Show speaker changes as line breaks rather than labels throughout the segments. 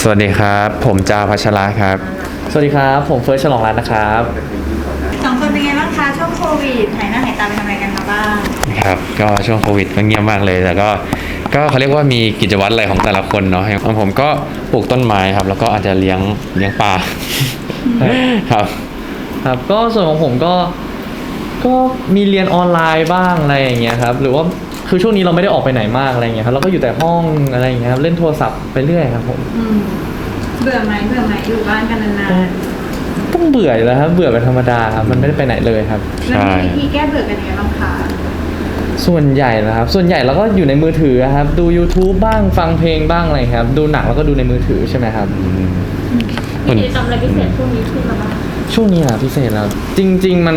วัสดีครับผมจาพัชระครับ
สวัสดีครับผมเฟิร์สฉลองรัตน์นะครับ
สองคนเป็นไงบ้างคะช่วงโควิดหายหน้าหายตาไปทำอะไรกันมาบ้าง
ครับก็ช่วงโควิดก็เงียบมากเลยแต่ก็เขาเรียกว่ามีกิจวัตรอะไรของแต่ละคนเนาะของผมก็ปลูกต้นไม้ครับแล้วก็อาจจะเลี้ยงปลาครับ
ครับก็ส่วนของผมก็มีเรียนออนไลน์บ้างอะไรอย่างเงี้ยครับหรือว่าคือช่วงนี้เราไม่ได้ออกไปไหนมากอะไรอย่างเงี้ยครับเราก็อยู่แต่ห้องอะไรอย่างเงี้ยครับเล่นโทรศัพท์ไปเรื่อยครับผม
เบื่อไหมอยู่บ้านกันนาน
ต้องเบื่ออยู่แล้วครับเบื่อเป็นธรรมดาครับมันไม่ได้ไปไหนเลยครับ
ๆแล้วมีวิธีแก้เบื่อกันยังไงบ้างคะ
ส่วนใหญ่นะครับส่วนใหญ่เราก็อยู่ในมือถือครับดู YouTube บ้างฟังเพลงบ้างอะไรครับดูหนังแล้วก็ดูในมือถือใช่ไหมครับ
มีกิจกรรมอะไรพิเศษช่วงนี้ขึ้นมาบ้าง
ช่วงนี้อ่ะพิเศษแล้วจริงๆ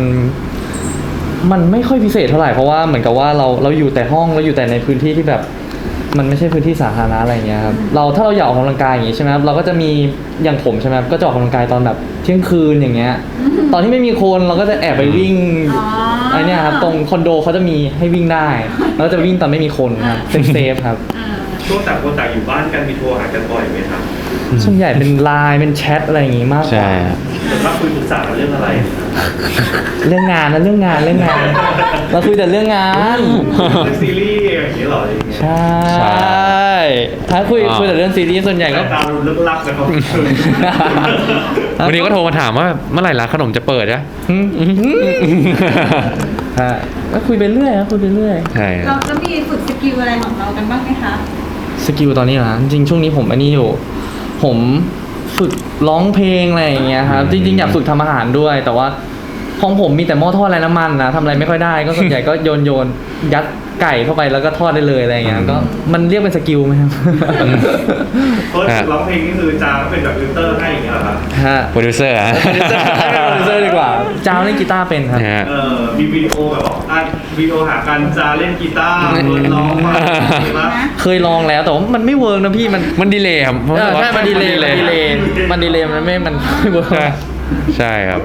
มันไม่ค่อยพิเศษเท่าไหร่เพราะว่าเหมือนกับว่าเราอยู่แต่ห้องเราอยู่แต่ในพื้นที่ที่แบบมันไม่ใช่พื้นที่สาธารณะอะไรเงี้ยครับถ้าเราอยากออกกำลังกายอย่างงี้ใช่ไหมครับเราก็จะมีอย่างผมใช่ไหมครับก็จะออกกำลังกายตอนแบบเที่ยงคืนอย่างเงี้ยตอนที่ไม่มีคนเราก็จะแอบไปวิ่งไอเนี้ยครับตรงคอนโดเขาจะมีให้วิ่งได้แล้วจะวิ่งตอนไม่มีคนครับเซฟครับ
ช่วงต่างคนต่างอยู่บ้านกันมีโทรหากันบ่อยไหมครับ
ส่วนใหญ่เป็นไลน์เป็นแชทอะไรอย่างงี้มากกว่า
แต่ว่าคุยปรึกษากันเรื่องอะไร
เรื่องงานนะเรื่องงานเราคุยแต่เรื่องงาน
ซีรีส์อย่างนี้หรออย่างเงี้ย
ใช่ถ้าคุยแต่เรื่องซีรีส์ส่วนใหญ่ก็
ตามลึกลับนะครับ
วันนี้ก็โทรมาถามว่าเมื่อไหร่ร้านขนมจะเปิดนะ
ก็คุยไปเรื่อยคุยไปเรื่อย
ใช่
เราจะมีฝึกสกิลอะไรของเรากันบ้างไหมคะ
สกิลตอนนี้นะจริงช่วงนี้ผมอันนี้อยู่ผมฝึกร้องเพลงอะไรอย่างเงี้ยครับจริงๆอยากฝึกทำอาหารด้วยแต่ว่าของผมมีแต่หม้อทอดไร้น้ำมันนะทำอะไรไม่ค่อยได้ก็ส่วนใหญ่ก็โยนยัดไก่เข้าไปแล้วก็ทอดได้เลยอะไรอย่างเงี้ยก็มันเรียกเป็นสกิลไหมครับ
เฟิร์สร้องเพลงนี่คือจ้าเป็นแบบฟิลเตอร์ให้อย่างเงี้ยเหรอครับ
โปรดิวเซอร์
โปรดิวเซอร์ดีกว่าจ้าเล่นกีตาร์เป็นครับ
มีวิดีโอแบบวิดีโอหากันจ้าเล่นกีตาร์ร้องมา
เคยลองแล้วแต่ว่ามันไม่เวิร์กนะพี่
มันดีเลย์ครับ
ใช่มันดีเลย์มันไม่เวิร์ก
ใช่ครับ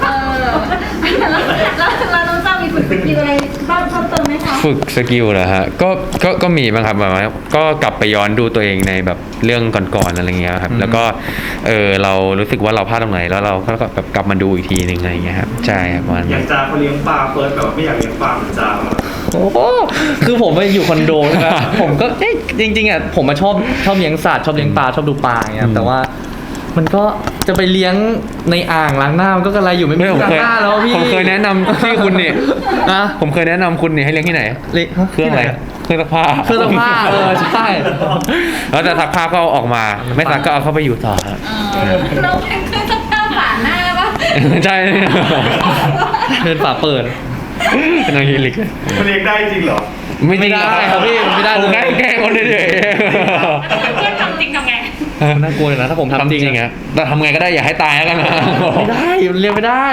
แล้วน้องจ้ามีฝึกสกิลอะไรบ้างเพิ่มเติมไหมคะ
ฝึกสกิลเหรอฮะก็มีบ้างครับแบบว่าก็กลับไปย้อนดูตัวเองในแบบเรื่องก่อนๆอะไรเงี้ยครับแล้วก็เรารู้สึกว่าเราพลาดตรงไหนแล้วเราก็แบบกลับมาดูอีกทีหนึ่งอะไรเงี้ยครับใช่ครับวัน
อยากจ้าเขาเลี้ยงปลาเฟิร์สแบบไม่อยากเลี้ยงปลาเหมือนจ้า
โอ้คือผมไปอยู่คอนโดนะครับผมก็จริงๆอ่ะผมมาชอบเลี้ยงสัตว์ชอบเลี้ยงปลาชอบดูปลาอย่างเงี้ยแต่ว่ามันก็จะไปเลี้ยงในอ่างล้างหน้ามันก็กระไรอยู่ไม่มีล้างหน้าแล้วพี่
ผมเคยแนะนำที่คุณเนี่ยผมเคยแนะนำคุณเนี่ยให้เลี้ยงที่ไหนเครื่องอะไรเครื่องซักผ้า
ใช่
แล้วแต่ซักผ้าก็เอาออกมาไม่ซักก็เอาเข้าไปอยู่ต่อ
เราเป็นเครื่องซักผ้าฝาหน้าป่ะ
ใช่
เป็นฝาเปิด
เป็นอะไรลิก
มันเลี้ยงได้จริงเหรอ
ไม่ได้ครับพี่ไม่ได้เลย
แกล้งคนเฉย
เพื่อนทำจริงทำไง
น่ากลัวเลยนะถ้าผมทำจริง
อะแต่ทำไงก็ได้อย่าให้ตายแล้วกันนะ
ไม่ได้มันเรียนไม่ได้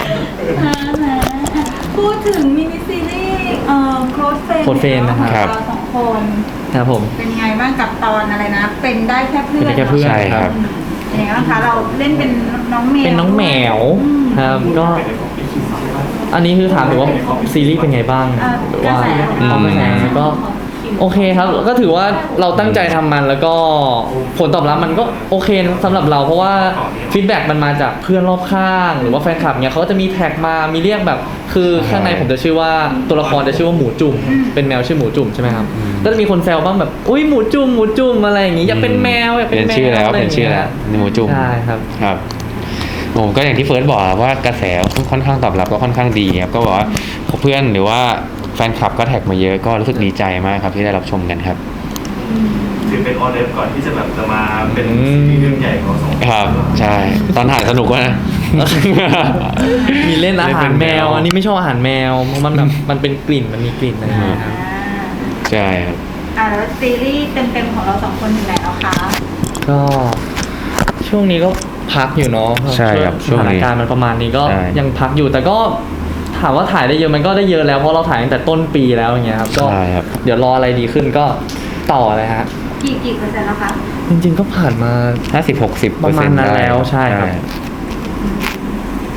พูดถึงมินิซีรีส์โค้ดเฟน
นะครับ
เราสองคน
ครับผม
เป็นไงบ้างกับตอนอะไรนะเป็นได้แค่เพื่
อน
ใช่ครับ
เป็นไงบ้างคะเราเล่นเป็นน้องแมว
เป็นน้องแมวครับก็อันนี้คือถามถึงว่าซีรีส์เป็นไงบ้างหรือว่าเขาเป็นไงก็โอเคครับก็ถือว่าเราตั้งใจทำมันแล้วก็ผลตอบรับมันก็โอเคสำหรับเราเพราะว่าฟีดแบ็กมันมาจากเพื่อนรอบข้างหรือว่าแฟนคลับเนี่ยเขาก็จะมีแท็กมามีเรียกแบบคือข้างในผมจะชื่อว่าตัวละครจะชื่อว่าหมูจุ่มเป็นแมวชื่อหมูจุ่มใช่ไหมครับก็จะมีคนแซวบ้างแบบอุ้ยหมูจุ่มอะไรอย่างงี้อยากเป็นแมวอยากเป็นแมว
เป็นชื่อแล้วหมูจุ่ม
ใช่ครับ
ครับผมก็อย่างที่เฟิร์สบอกว่ากระแสค่อนข้างตอบรับก็ค่อนข้างดีครับก็บอกว่าเพื่อนหรือว่าแฟนคลับก็แท็กมาเยอะก็รู้สึกดีใจมากครับที่ได้รับชมกันครับ
ถือเป็นออเดอร์ก่อนที่จะแบบจะมาเป็นซีรีส์เรื่องใหญ่ของสอง
ครับใช่ตอนถ่ายสนุกนะ
มีเล่นอาหารแมวอันนี้ไม่ชอบอาหารแมวเพราะมันแบบมันเป็นกลิ่นมันมีกลิ่นอะไรอย่างเงี้ยครับ
ใช่ครับ
แล้วซีรีส์เต็มๆของเราสองคนอยู่ไหนแล้วคะ
ก็ช่วงนี้ก็พักอยู่เนาะ
ใช่ครับ
สถานการณ์มันประมาณนี้ก็ยังพักอยู่แต่ก็ถามว่าถ่ายได้เยอะมันก็ได้เยอะแล้วเพราะเราถ่ายตั้งแต่ต้นปีแล้วอย่างเงี้ยครับก็เดี๋ยวรออะไรดีขึ้นก็ต่อเลยฮะ
กี่เปอร์เซ็นต์แล้วคะ
จริงๆก็ผ่านมา
50-60%
ประมาณนั้นแล้วใช่ครับ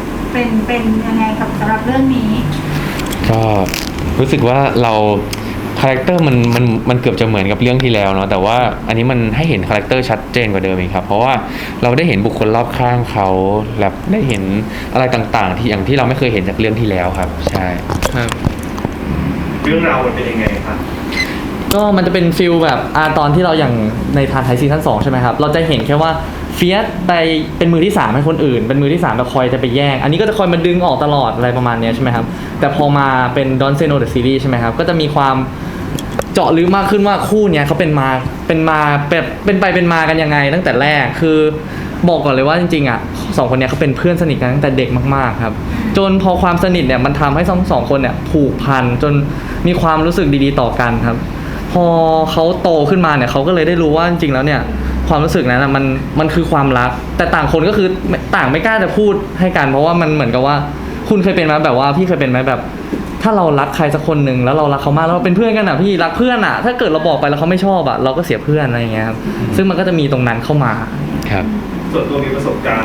เป็นยังไงกับสำหรับเรื่องนี้
ก็รู้สึกว่าเราคาแรคเตอร์มันเกือบจะเหมือนกับเรื่องที่แล้วเนาะแต่ว่าอันนี้มันให้เห็นคาแรคเตอร์ชัดเจนกว่าเดิมอีกครับเพราะว่าเราได้เห็นบุคคลรอบข้างเขาแบบได้เห็นอะไรต่างๆ ที่อย่างที่เราไม่เคยเห็นจากเรื่องที่แล้วครับใช่
ครับ
เรื่องราวมันเป็นยังไงครับ
ก็มันจะเป็นฟิลแบบตอนที่เราอย่างในทานไทยซีซั่น2ใช่ไหมครับเราจะเห็นแค่ว่าเฟียสไปเป็นมือที่3ให้คนอื่นเป็นมือที่3แบบคอยจะไปแย่งอันนี้ก็จะคอยมาดึงออกตลอดอะไรประมาณเนี้ยใช่ไหมครับแต่พอมาเป็น Don't Say No The Series ใช่ไหมครับก็จะมีความเจาะลึกมากขึ้นว่าคู่เนี้ยเขาเป็นมาแบบเป็นไปเป็นมากันยังไงตั้งแต่แรกคือบอกก่อนเลยว่าจริงๆอ่ะ2คนเนี้ยเขาเป็นเพื่อนสนิทกันตั้งแต่เด็กมากๆครับจนพอความสนิทเนี่ยมันทำให้ทั้งสองคนเนี่ยผูกพันจนมีความรู้สึกดีๆต่อกันครับพอเขาโตขึ้นมาเนี่ยเขาก็เลยได้รู้ว่าจริงๆแล้วเนี่ยความรู้สึกนั้นนะมันคือความรักแต่ต่างคนก็คือต่างไม่กล้าจะพูดให้กันเพราะว่ามันเหมือนกับว่าคุณเคยเป็นไหมแบบว่าพี่เคยเป็นไหมแบบถ้าเรารักใครสักคนหนึ่งแล้วเรารักเขามากแล้วเราเป็นเพื่อนกันอ่ะพี่รักเพื่อนอ่ะถ้าเกิดเราบอกไปแล้วเขาไม่ชอบอ่ะเราก็เสียเพื่อนอะไรอย่างเงี้ยครับซึ่งมันก็จะมีตรงนั้นเข้ามา
ครับ
ส่วนตัวมีประสบการณ์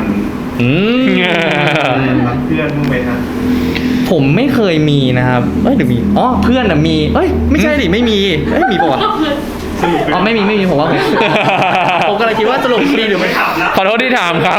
รักเพื่อนบ้างไหมฮะ
ผมไม่เคยมีนะครับเดี๋ยวมีเพื่อนอะมีไม่ใช่ดิไม่มีมีปะวะ
สรุปเป็น
ไม่มีผมว่าผมก็เลยคิดว่าสรุปมีหรือไม่
ถามนะ
ขอโทษที่ถามครับ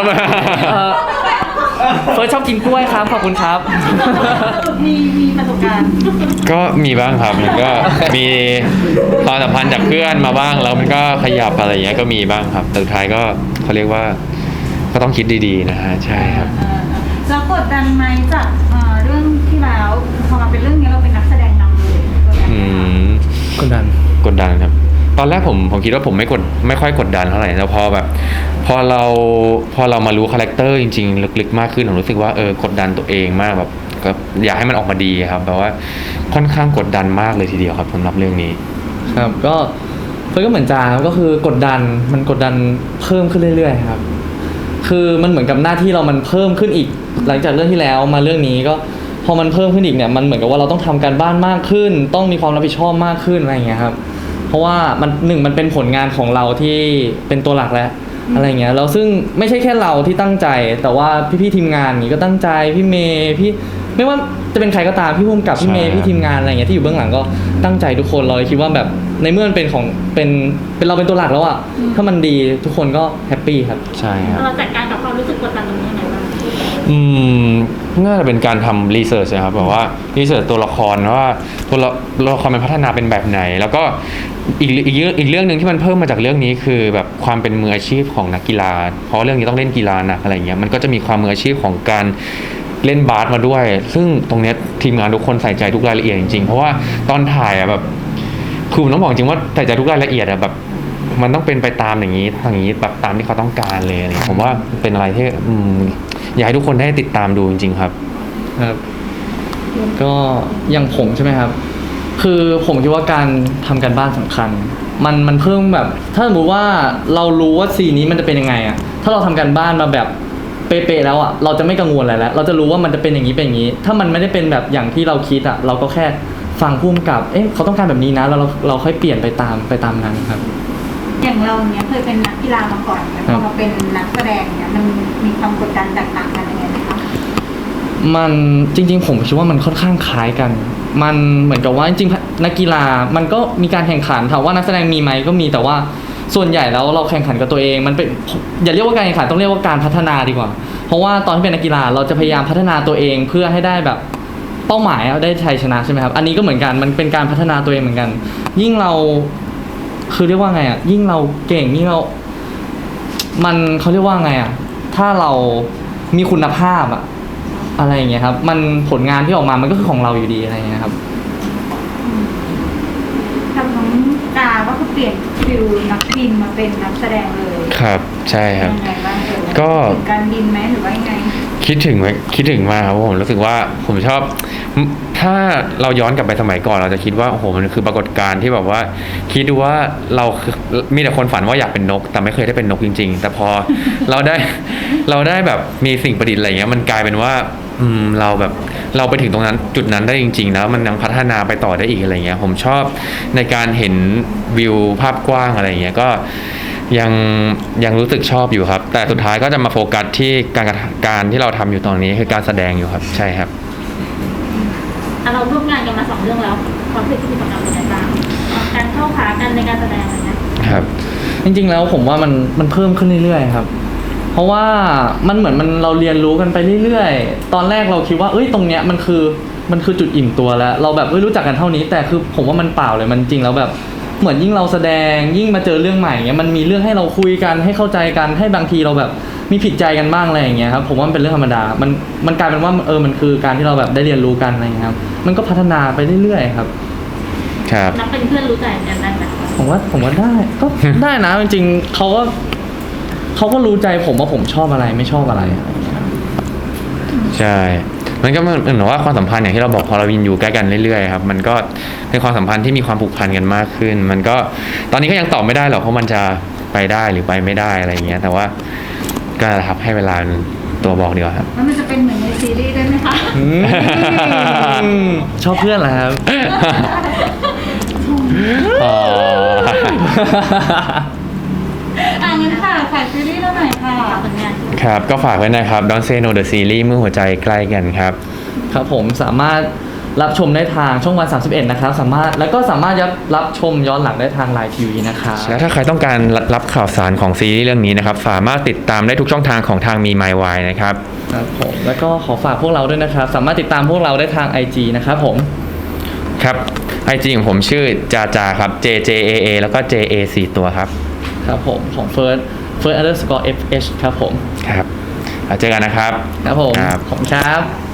เฟิร์สชอบกินกล้วยครับขอบคุณครับ
มีประสบการณ์
ก็มีบ้างครับมันก็มีความสัมพันธ์จากเพื่อนมาบ้างแล้วมันก็ขยับอะไรอย่างเงี้ยก็มีบ้างครับแต่สุดท้ายก็เขาเรียกว่าก็ต้องคิดดีๆนะฮะใช่ครับ
แล้วกดดันไหมจากเรื่องที่แล้วพอมาเป็นเรื่องนี้เราเป็นนักแสดงนำเลยกดดันไหมคะ
กดดัน
กดดันครับตอนแรกผมคิดว่าผมไม่ค่อยกดดันเท่าไหร่แล้วพอเรามารู้คาแรคเตอร์จริงๆลึกๆมากขึ้นผมรู้สึกว่ากดดันตัวเองมากแบบก็อยากให้มันออกมาดีครับแปลว่าค่อนข้างกดดันมากเลยทีเดียวครับสำหรับเรื่องนี้
ครับก็เฟิร์สก็เหมือนจาก็คือกดดันมันกดดันเพิ่มขึ้นเรื่อยๆครับคือมันเหมือนกับหน้าที่เรามันเพิ่มขึ้นอีก หลังจากเรื่องที่แล้วมาเรื่องนี้ก็พอมันเพิ่มขึ้นอีกเนี่ยมันเหมือนกับว่าเราต้องทำการบ้านมากขึ้น ต้องมีความรับผิดชอบมากขึ้นอะไรอย่างเงี้ยครับเพราะว่ามันเป็นผลงานของเราที่เป็นตัวหลักแล้วอะไรเงี้ยแล้วซึ่งไม่ใช่แค่เราที่ตั้งใจแต่ว่าพี่ๆทีมงานนี่ก็ตั้งใจพี่เมย์พี่ไม่ว่าจะเป็นใครก็ตามพี่ภูมิกับพี่เมย์
ใช่
พี่ทีมงานอะไรเงี้ยที่อยู่เบื้องหลังก็ตั้งใจทุกคนเราเลยคิดว่าแบบในเมื่อมันเป็นของเป็นเราเป็นตัวหลักแล้วอ่ะถ้ามันดีทุกคนก็แฮปปี้ครับ
ใช่ครับ
เราจัดการกับความรู้สึกกดดันตรงนี้ยังไงบ้าง
น่าจะเป็นการทำรีเสิร์ชนะครับแบบว่ารีเสิร์ชตัวละครว่าตัวละครมันพัฒนาเป็นแบบไหน แล้วก็อีกเรื่องหนึ่งที่มันเพิ่มมาจากเรื่องนี้คือแบบความเป็นมืออาชีพของนักกีฬาเพราะเรื่องนี้ต้องเล่นกีฬาหนักอะไรเงี้ยมันก็จะมีความมืออาชีพของการเล่นบาสมาด้วย ซึ่งตรงเนี้ยทีมงานทุกคนใส่ใจทุกรายละเอียดจริงๆเพราะว่าตอนถ่ายอะแบบคือผมต้องบอกจริงว่าใส่ใจทุกรายละเอียดอะแบบมันต้องเป็นไปตามอย่างนี้แบบตามที่เขาต้องการเลยอะไรเงี้ยผมว่าเป็นอะไรที่อยากให้ทุกคนได้ติดตามดูจริงๆครับ
ครับก็อย่างผมใช่ไหมครับ คือผมคิดว่าการทำการบ้านสำคัญ มันเพิ่มแบบ ถ้าสมมติว่าเรารู้ว่าซีนนี้มันจะเป็นยังไงอะถ้าเราทำการบ้านมาแบบเป๊ะๆแล้วอะเราจะไม่กังวลอะไรแล้วเราจะรู้ว่ามันจะเป็นอย่างนี้เป็นอย่างนี้ ถ้ามันไม่ได้เป็นแบบอย่างที่เราคิดอะเราก็แค่ฟังพุ่มกับเขาต้องการแบบนี้นะแล้วเราค่อยเปลี่ยนไปตามนั้นครับ
อย่างเราเนี้ยเคยเป็นนักกีฬามาก่อนแต่พอมาเป็นนักแสดงเนี้ยมันมีความกดดันแตกต่างกันยังไงไหมคะ
มันจริงๆผมคิดว่ามันค่อนข้างคล้ายกัน มันเหมือนกับว่าจริงๆนักกีฬามันก็มีการแข่งขันถามว่านักแสดงมีไหมก็มีแต่ว่าส่วนใหญ่แล้วเราแข่งขันกับตัวเองมันเป็นอย่าเรียกว่าการแข่งขันต้องเรียกว่าการพัฒนาดีกว่า เพราะว่าตอนที่เป็นนักกีฬาเราจะพยายามพัฒนาตัวเองเพื่อให้ได้แบบเป้าหมายได้ชัยชนะใช่ไหมครับอันนี้ก็เหมือนกันมันเป็นการพัฒนาตัวเองเหมือนกัน ยิ่งเราคือเรียกว่าไงอ่ะยิ่งเราเก่งยิ่งเรามันเขาเรียกว่าไงอ่ะถ้าเรามีคุณภาพอ่ะอะไรอย่างเงี้ยครับมันผลงานที่ออกมามันก็คือของเราอยู่ดีอะไรอย่างเงี้ยครับ
ทำน้องกาก็คือเปลี่ยนฟิลนักบินมาเป็นนักแสดงเลย
ครับใช่ครับ
ยังไงบ้างเอ่ย
ก็
ถึงการบินไหมหรือว่ายังไง
คิดถึงมากครับเพราะผมรู้สึกว่าผมชอบถ้าเราย้อนกลับไปสมัยก่อนเราจะคิดว่าโอ้โหมันคือปรากฏการณ์ที่แบบว่าคิดดูว่าเรามีแต่คนฝันว่าอยากเป็นนก แต่ไม่เคยได้เป็นนกจริง ๆ แต่พอ เราได้แบบมีสิ่งประดิษฐ์อะไรเงี้ยมันกลายเป็นว่าเราแบบเราไปถึงตรงนั้นจุดนั้นได้จริงๆแล้วมันยังพัฒนาไปต่อได้อีกอะไรเงี้ยผมชอบในการเห็นวิวภาพกว้างอะไรเงี้ยก็ยังรู้สึกชอบอยู่ครับแต่สุดท้ายก็จะมาโฟกัสที่การที่เราทำอยู่ตอนนี้คือการแสดงอยู่ครับใช่ครับ
เราร่วมงานกันมา2เรื่องแล้วความรู้สึกที่มีต่อกันเป็นยังไงบ้างการเข้าขากันในการแสดงอะไรเงี้ย
ครับ
จริงๆแล้วผมว่ามันเพิ่มขึ้นเรื่อยๆครับ เพราะว่ามันเหมือนเราเรียนรู้กันไปเรื่อยๆตอนแรกเราคิดว่าเอ้ยตรงเนี้ยมันคือจุดอิ่มตัวแล้วเราแบบรู้จักกันเท่านี้แต่คือผมว่ามันเปล่าเลยมันจริงแล้วแบบเหมือนยิ่งเราแสดงยิ่งมาเจอเรื่องใหม่เงี้ยมันมีเรื่องให้เราคุยกันให้เข้าใจกันให้บางทีเราแบบมีผิดใจกันบ้างอะไรอย่างเงี้ยครับผมว่ามันเป็นเรื่องธรรมดามันกลายเป็นว่ามันคือการที่เราแบบได้เรียนรู้กันอะไรอย่างเงี้ยครับมันก็พัฒนาไปเรื่อยๆครับ
ครับ
นับเป็นเพื่อนรู้ใจกันได้ไหม
ผมว่าได้ก็ ได้นะจริงๆเขาก็รู้ใจผมว่าผมชอบอะไรไม่ชอบอะไรอะไรอย่างเงี้ย
ใช่ มันก็เหมือนว่าความสัมพันธ์อย่างที่เราบอกพอเราอยู่ใกล้กันเรื่อยๆครับ มันก็เป็นความสัมพันธ์ที่มีความผูกพันกันมากขึ้น มันก็ตอนนี้ก็ยังตอบไม่ได้หรอกเพราะมันจะไปได้หรือไปไม่ได้อะไรอย่างเงี้ย แต่ว่าก็ครับให้เวลาเป็นตัวบอกดีกว่าครับ
แล้วมันจะเป็นเหมือนในซีรีส์ได้ไหมคะ
ชอบเพื่อนเหรอครับ
อ๋อ
งั้นค่ะฝากซีรีส์เราหน่อยค่ะ
ผลงาน
ครับ ก็ฝากไว้นะครับ Don't Say No The Series เมื่อหัวใจใกล้กันครับ
ครับผมสามารถรับชมได้ทางช่องวัน 31 นะครับสามารถรับชมย้อนหลังได้ทางไลน์ทีวีนะครับ
และถ้าใครต้องการรับข่าวสารของซีรีส์เรื่องนี้นะครับ สามารถติดตามได้ทุกช่องทางของทางมี My Why นะครับ
ครับผมแล้วก็ขอฝากพวกเราด้วยนะครับ สามารถติดตามพวกเราได้ทาง IG นะครับผม
ครับ IG ของผมชื่อจาจาครับ JJAA แล้วก็ JA 4 ตัวครับ
ครับผมของ first_FH ครับผม
ครับแล้วเจอกันนะครับ
ครับผม
ครับ
ขอบคุณครับ